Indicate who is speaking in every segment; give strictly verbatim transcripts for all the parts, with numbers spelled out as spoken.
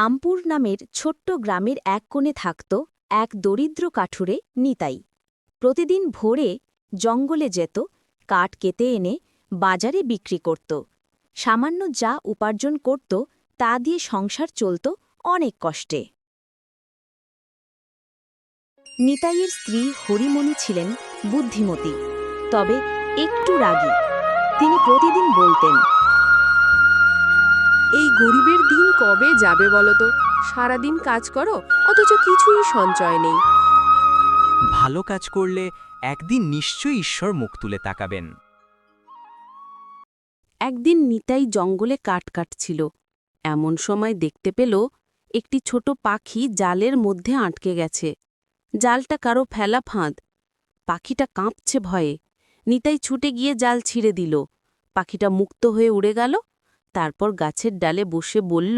Speaker 1: রামপুর নামের ছোট্ট গ্রামের এক কোণে থাকত এক দরিদ্র কাঠুরে নিতাই। প্রতিদিন ভোরে জঙ্গলে যেত, কাঠ কেটে এনে বাজারে বিক্রি করত। সামান্য যা উপার্জন করত তা দিয়ে সংসার চলত অনেক কষ্টে। নিতাইয়ের স্ত্রী হরিমণি ছিলেন বুদ্ধিমতী, তবে একটু রাগী। তিনি প্রতিদিন বলতেন,
Speaker 2: এই গরিবের দিন কবে যাবে বলো তো? সারাদিন কাজ করো, অথচ কিছুই সঞ্চয় নেই।
Speaker 3: ভালো কাজ করলে একদিন নিশ্চয়ই ঈশ্বর মুখ তুলে তাকাবেন।
Speaker 2: একদিন নিতাই জঙ্গলে কাঠ কাটছিল। এমন সময় দেখতে পেল একটি ছোট পাখি জালের মধ্যে আটকে গেছে। জালটা কারো ফেলা ফাঁদ। পাখিটা কাঁপছে ভয়ে। নিতাই ছুটে গিয়ে জাল ছিঁড়ে দিল। পাখিটা মুক্ত হয়ে উড়ে গেল। তারপর গাছের ডালে বসে বলল,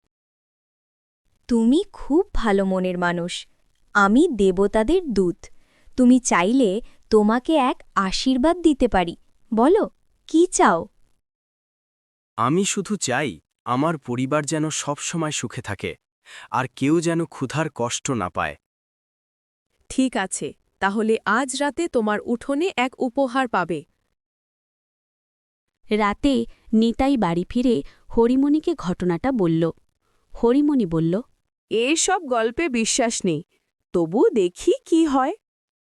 Speaker 4: তুমি খুব ভালো মনের মানুষ। আমি দেবতাদের দূত। তুমি চাইলে তোমাকে এক আশীর্বাদ দিতে পারি। বলো, কি চাও?
Speaker 5: আমি শুধু চাই আমার পরিবার যেন সবসময় সুখে থাকে, আর কেউ যেন ক্ষুধার কষ্ট না পায়।
Speaker 2: ঠিক আছে, তাহলে আজ রাতে তোমার উঠোনে এক উপহার পাবে।
Speaker 1: রাতে নিতাই বাড়ি ফিরে হরিমণিকে ঘটনাটা বলল। হরিমণি বলল,
Speaker 2: এসব গল্পে বিশ্বাস নেই, তবু দেখি কি হয়।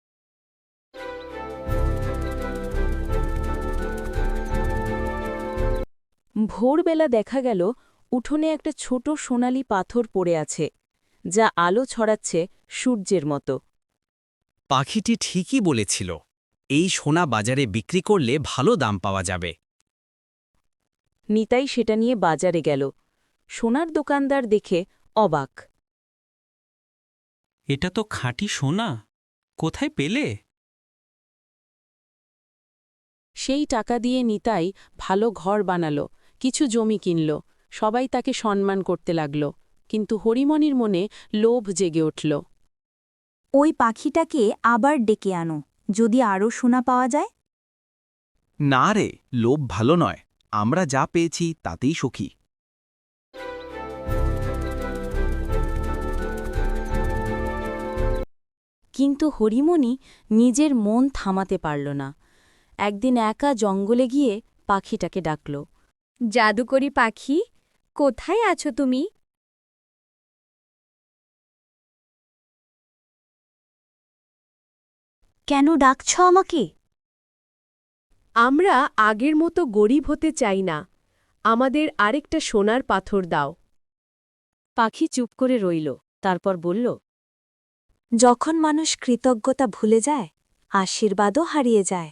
Speaker 2: ভোরবেলা দেখা গেল উঠোনে একটা ছোট সোনালি পাথর পড়ে আছে, যা আলো ছড়াচ্ছে সূর্যের মতো।
Speaker 3: পাখিটি ঠিকই বলেছিল, এই সোনা বাজারে বিক্রি করলে ভালো দাম পাওয়া যাবে।
Speaker 2: নিতাই সেটা নিয়ে বাজারে গেল। সোনার দোকানদার দেখে অবাক।
Speaker 3: এটা তো খাঁটি সোনা, কোথায় পেলে?
Speaker 2: সেই টাকা দিয়ে নিতাই ভালো ঘর বানালো, কিছু জমি কিনল। সবাই তাকে সম্মান করতে লাগল। কিন্তু হরিমণির মনে লোভ জেগে উঠল।
Speaker 4: ওই পাখিটাকে আবার ডেকে আনো, যদি আরও সোনা পাওয়া যায়।
Speaker 5: না রে, লোভ ভালো নয়। আমরা যা পেয়েছি তাতেই সুখী।
Speaker 1: কিন্তু হরিমণি নিজের মন থামাতে পারল না। একদিন একা জঙ্গলে গিয়ে পাখিটাকে ডাকল।
Speaker 4: জাদুকরি পাখি, কোথায় আছো তুমি? কেন ডাকছ আমাকে?
Speaker 2: আমরা আগের মতো গরিব হতে চাই না, আমাদের আরেকটা সোনার পাথর দাও।
Speaker 1: পাখি চুপ করে রইল, তারপর বলল,
Speaker 4: যখন মানুষ কৃতজ্ঞতা ভুলে যায়, আশীর্বাদও হারিয়ে যায়।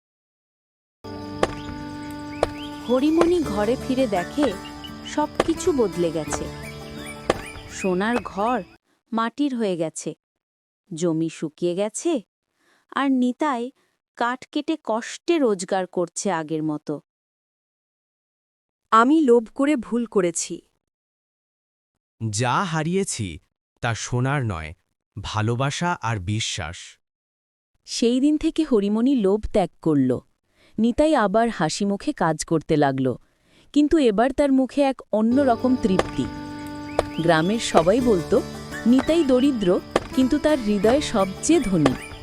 Speaker 1: হরিমণি ঘরে ফিরে দেখে সবকিছু বদলে গেছে। সোনার ঘর মাটির হয়ে গেছে, জমি শুকিয়ে গেছে, আর নিতাই কাঠ কেটে কষ্টে রোজগার করছে আগের মতো।
Speaker 2: আমি লোভ করে ভুল করেছি।
Speaker 3: যা হারিয়েছি তা সোনার নয়, ভালোবাসা আর বিশ্বাস।
Speaker 1: সেই দিন থেকে হরিমণি লোভ ত্যাগ করল। নিতাই আবার হাসি মুখে কাজ করতে লাগল, কিন্তু এবার তার মুখে এক অন্যরকম তৃপ্তি। গ্রামের সবাই বলতো, নিতাই দরিদ্র, কিন্তু তার হৃদয় সবচেয়ে ধনী।